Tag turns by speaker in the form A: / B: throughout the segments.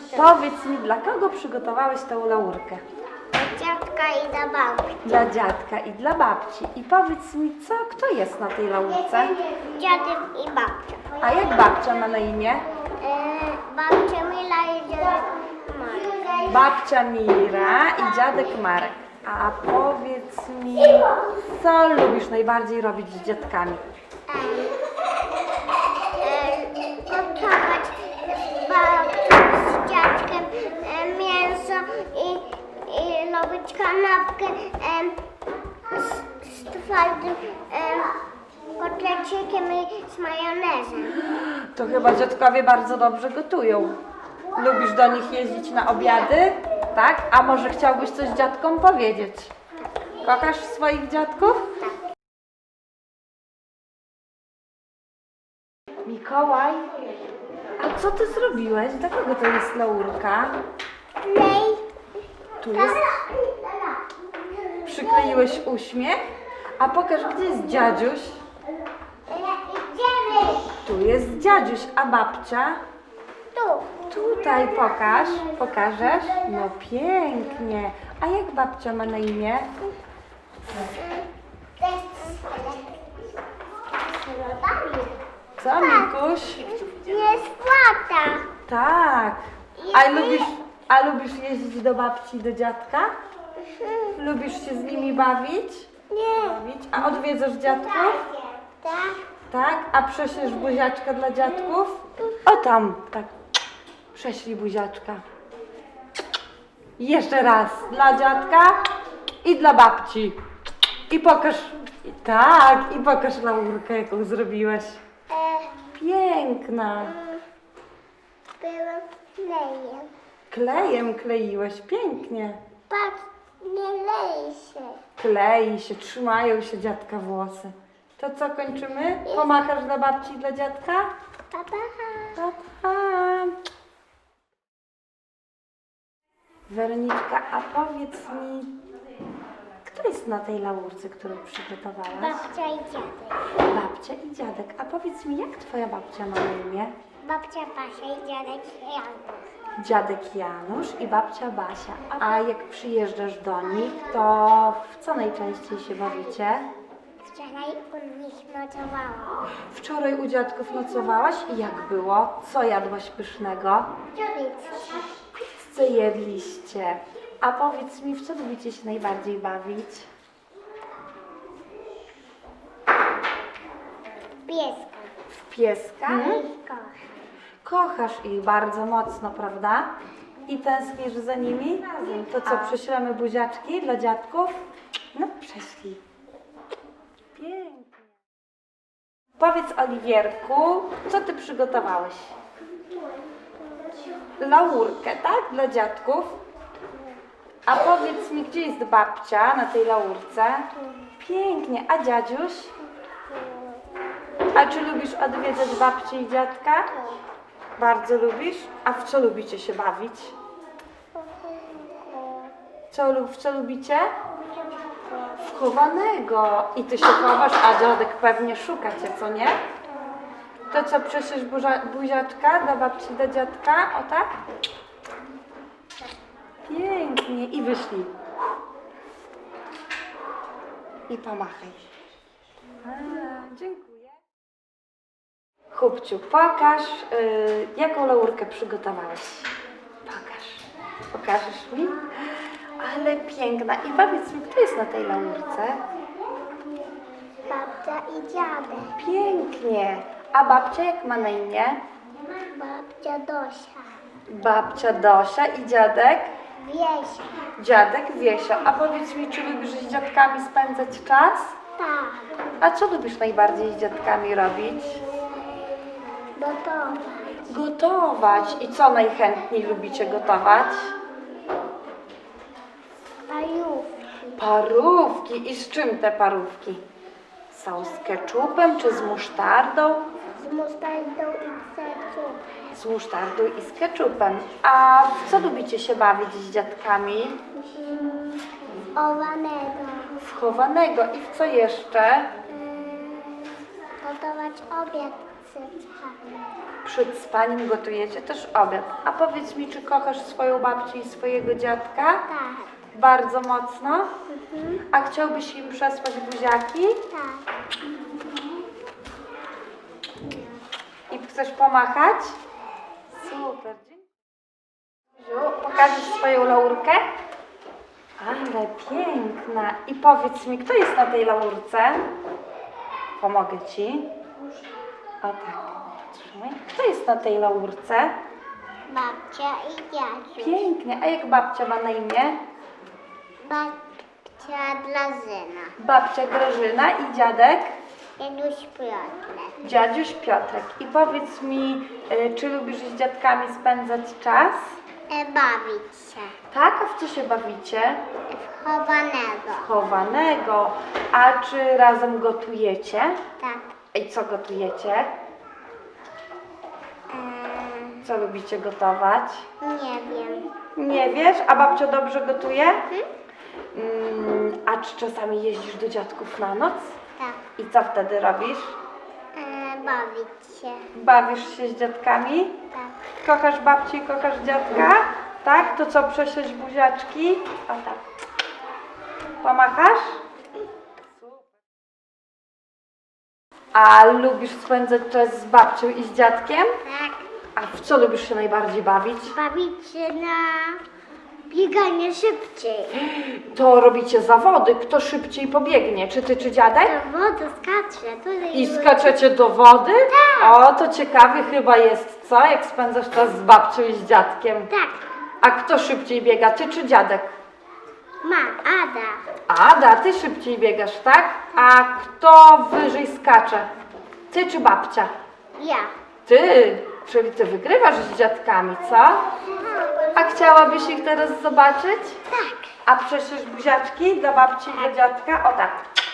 A: Powiedz mi, dla kogo przygotowałeś tą laurkę?
B: Dziadka i dla babci.
A: Dla dziadka i dla babci. I powiedz mi, kto jest na tej laurce?
B: Dziadek i babcia.
A: A jak babcia ma na imię?
B: Babcia Mila i dziadek Marek.
A: Babcia Mira i dziadek Marek. A powiedz mi, co lubisz najbardziej robić z dziadkami?
B: Gotować z babcią, z dziadkiem mięso i robić kanapkę z twardym kotlecikiem i z majonezem.
A: To chyba dziadkowie bardzo dobrze gotują. Lubisz do nich jeździć na obiady? Tak? A może chciałbyś coś dziadkom powiedzieć? Kochasz swoich dziadków? Mikołaj, a co ty zrobiłeś? Dla kogo to jest laurka? Tu jest. Przykleiłeś uśmiech? A pokaż, gdzie jest dziadziuś?
B: Idziemy!
A: Tu jest dziadziuś, a babcia?
B: Tu.
A: Tutaj pokaż. Pokażesz? No pięknie. A jak babcia ma na imię? Co, Mikuś?
B: Jest płata.
A: Tak. A lubisz jeździć do babci i do dziadka? Lubisz się z nimi bawić?
B: Nie.
A: A odwiedzasz dziadków?
B: Tak.
A: Tak? A prześlesz buziaczka dla dziadków? O tam, tak. Prześlij buziaczka. Jeszcze raz. Dla dziadka i dla babci. I pokaż. Tak, i pokaż laurkę, jaką zrobiłeś. Piękna.
B: Byłem klejem.
A: Klejem kleiłeś, pięknie.
B: Patrz, nie leje się.
A: Klei się, trzymają się dziadka włosy. To co, kończymy? Pomachasz dla babci i dla dziadka?
B: Pa, pa.
A: Pa, pa. Weroniczka, a powiedz mi, kto jest na tej laurce, którą przygotowałaś?
B: Babcia i dziadek.
A: Babcia i dziadek. A powiedz mi, jak twoja babcia ma na imię?
B: Babcia Basia i dziadek Janusz.
A: Dziadek Janusz i babcia Basia. A jak przyjeżdżasz do nich, to w co najczęściej się bawicie?
B: Wczoraj u nich nocowałam.
A: Wczoraj u dziadków nocowałaś i jak było? Co jadłaś pysznego? Co jedliście? A powiedz mi, w co lubicie się najbardziej bawić?
B: Pieska.
A: W pieska?
B: I koch.
A: Kochasz ich bardzo mocno, prawda? I tęsknisz za nimi? To co, prześlemy buziaczki dla dziadków? No, prześlij. Pięknie. Powiedz, Oliwierku, co ty przygotowałeś? Laurkę, tak? Dla dziadków? A powiedz mi, gdzie jest babcia na tej laurce? Pięknie. A dziadziuś? A czy lubisz odwiedzać babcię i dziadka? Bardzo lubisz? A w co lubicie się bawić? W co lubicie? W chowanego. I ty się chowasz, a dziadek pewnie szuka cię, co nie? To co, przecież buziaczka dla babci, dla dziadka? O tak? Pięknie. I wyślij. I pomachaj. Dziękuję. Chłopciu, pokaż, jaką laurkę przygotowałeś. Pokażesz mi? Ale piękna. I powiedz mi, kto jest na tej laurce?
B: Babcia i dziadek.
A: Pięknie. A babcia jak ma na imię?
B: Babcia Dosia.
A: Babcia Dosia i dziadek?
B: Wiesia.
A: Dziadek Wiesio. A powiedz mi, czy lubisz z dziadkami spędzać czas?
B: Tak.
A: A co lubisz najbardziej z dziadkami robić?
B: Gotować.
A: Gotować. I co najchętniej lubicie gotować?
B: Parówki.
A: Parówki. I z czym te parówki? Są z keczupem czy z musztardą?
B: Z musztardą i keczupem.
A: Z musztardą i z keczupem. A w co lubicie się bawić z dziadkami?
B: Owanego.
A: W chowanego. I w co jeszcze?
B: Gotować obiad z
A: Przed spaniem gotujecie też obiad. A powiedz mi, czy kochasz swoją babcię i swojego dziadka?
B: Tak.
A: Bardzo mocno? A chciałbyś im przesłać buziaki?
B: Tak.
A: I chcesz pomachać? Super, dziękuję. Pokażesz swoją laurkę? Ale piękna. I powiedz mi, kto jest na tej laurce? Pomogę ci. O tak. Trzymaj. Kto jest na tej laurce?
B: Babcia i dziadek.
A: Pięknie. A jak babcia ma na imię?
B: Babcia dla syna.
A: Babcia Grażyna i dziadek?
B: Janusz Piotrek.
A: Dziadziuś Piotrek. I powiedz mi, czy lubisz z dziadkami spędzać czas?
B: Bawić się.
A: Tak? A w co się bawicie?
B: Chowanego.
A: Chowanego. A czy razem gotujecie?
B: Tak.
A: I co gotujecie? Co lubicie gotować?
B: Nie wiem.
A: Nie wiesz? A babcia dobrze gotuje? A czy czasami jeździsz do dziadków na noc?
B: Tak.
A: I co wtedy robisz?
B: Bawić się.
A: Bawisz się z dziadkami?
B: Tak.
A: Kochasz babcię i kochasz dziadka? Tak? To co, prześlesz buziaczki? O tak. Pomachasz? A lubisz spędzać czas z babcią i z dziadkiem?
B: Tak.
A: A w co lubisz się najbardziej bawić?
B: Bawić się na bieganie szybciej.
A: To robicie zawody, kto szybciej pobiegnie, czy ty, czy dziadek?
B: To woda skacze. Tutaj
A: I skaczecie do wody?
B: Tak.
A: O, to ciekawy chyba jest, co? Jak spędzasz czas z babcią i z dziadkiem.
B: Tak.
A: A kto szybciej biega, ty czy dziadek?
B: Ada.
A: Ada, ty szybciej biegasz, tak? A kto wyżej skacze? Ty czy babcia?
B: Ja.
A: Ty, czyli ty wygrywasz z dziadkami, co? A chciałabyś ich teraz zobaczyć?
B: Tak.
A: A przecież buziaczki dla babci i dla dziadka? O tak.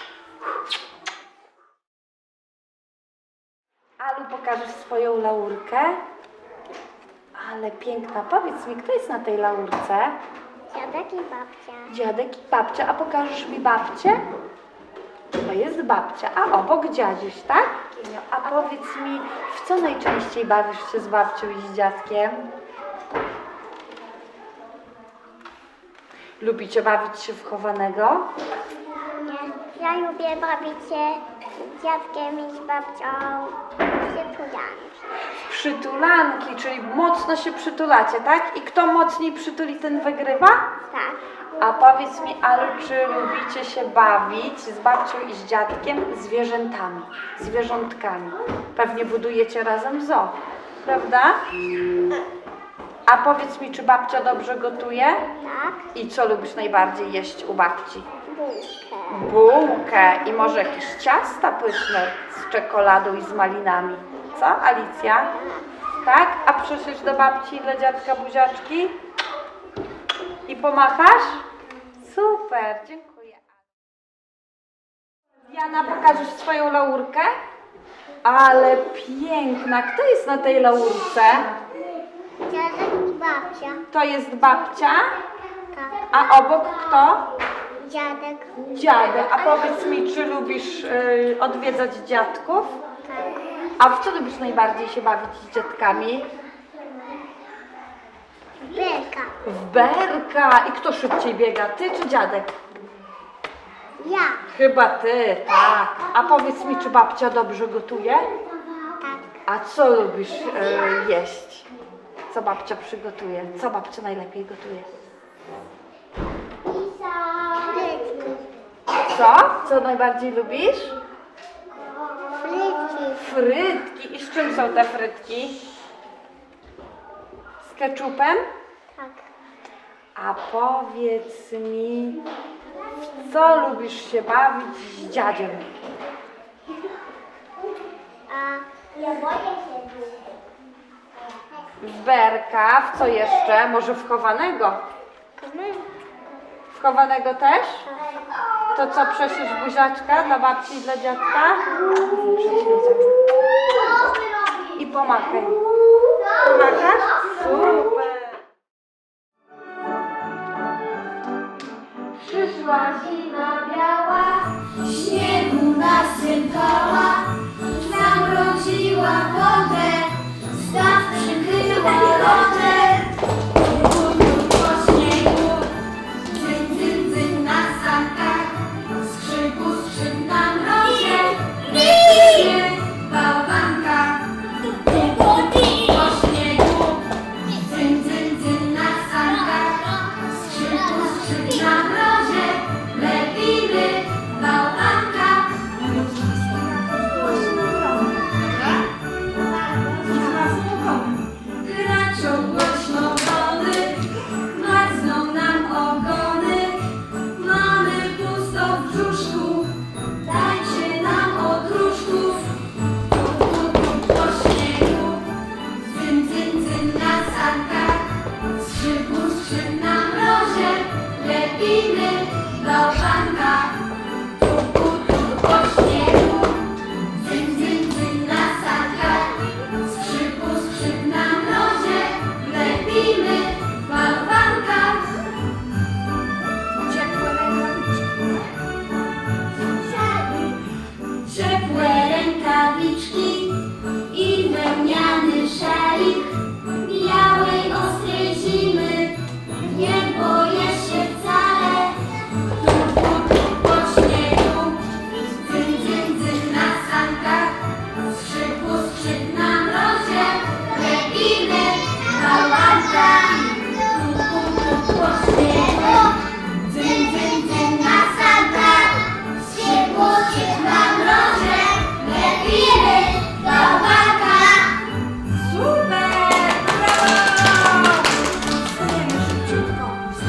A: Alu, pokażesz swoją laurkę? Ale piękna. Powiedz mi, kto jest na tej laurce?
B: Dziadek i babcia.
A: Dziadek i babcia. A pokażesz mi babcię? To jest babcia, a obok dziadziuś, tak? A powiedz mi, w co najczęściej bawisz się z babcią i z dziadkiem? Lubicie bawić się w chowanego?
B: Nie. Ja lubię bawić się z dziadkiem i z babcią przytulanki.
A: Przytulanki, czyli mocno się przytulacie, tak? I kto mocniej przytuli, ten wygrywa?
B: Tak.
A: A powiedz mi, Alu, czy lubicie się bawić z babcią i z dziadkiem zwierzętami, zwierzątkami? Pewnie budujecie razem zoo, prawda? A powiedz mi, czy babcia dobrze gotuje?
B: Tak.
A: I co lubisz najbardziej jeść u babci?
B: Bułkę.
A: Bułkę i może jakieś ciasta pyszne z czekoladą i z malinami. Co, Alicja? Tak? A przyszlisz do babci i dla dziadka buziaczki? I pomachasz? Super, dziękuję. Diana, pokażesz swoją laurkę? Ale piękna. Kto jest na tej laurce?
B: Dziadek i babcia.
A: To jest babcia,
B: Tak.
A: a obok kto?
B: Dziadek.
A: Dziadek. A powiedz mi, czy lubisz odwiedzać dziadków?
B: Tak.
A: A w co lubisz najbardziej się bawić z dziadkami?
B: Belka.
A: W berka. I kto szybciej biega, ty czy dziadek?
B: Ja.
A: Chyba ty, tak. A powiedz mi, czy babcia dobrze gotuje?
B: Tak.
A: A co lubisz jeść? Co babcia przygotuje? Co babcia najlepiej gotuje?
B: Frytki.
A: Co? Co najbardziej lubisz?
B: Frytki.
A: Frytki. I z czym są te frytki? Z keczupem?
B: Tak.
A: A powiedz mi, w co lubisz się bawić z dziadziem?
B: A ja boję się.
A: W berka, w co jeszcze? Może w chowanego? W chowanego też? To co, przeszlisz buziaczka dla babci i dla dziadka? I pomachaj. Pomachasz? Super!
C: Przyszła zima biała, śniegu nasypała, zamroziła. wrzuciła wodę, staw przykryła lodem. Po śniegu, dzyn, dzyn, dzyn na sankach, skrzypu, skrzyp na mrozie, lepiej bałwanka. Po śniegu, dzyn, dzyn, dzyn na sankach, skrzypu, skrzyp na mrozie, lepimy bałwanka. Kraczą głośno wody, marzną nam ogony, mamy pusto w brzuszku, dajcie nam odruszków. Po śniegu, dzyn, dzyn, dzyn na sankach, skrzypu, skrzyp na mrozie, lepimy bałwanka. Po śniegu, dzyn, dzyn, dzyn na sankach, skrzypu, skrzyp na mrozie, lepimy bałwanka. Ciepłe rękawiczki i wełniany szalik białej, ostrej zimy nie boję się wcale. Po śniegu, dzyn, dzyn, dzyn na sankach, skrzypu, skrzyp na mrozie, lepimy bałwanka. Po śniegu, dzyn, dzyn, dzyn na sankach, skrzypu, skrzyp na mrozie, lepimy bałwanka. Super! Brawo! Wstajemy szybciutko.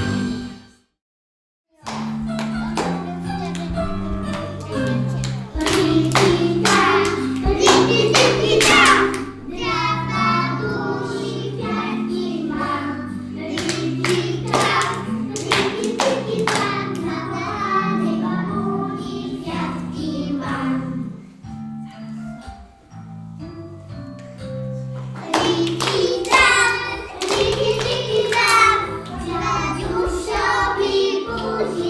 B: Rikita, rikita, drapa dusi kwiatki ma. Rikita, rikita, na kochanej babuni kwiatki mam. Rikita, rikita, dziadziusiowi buzi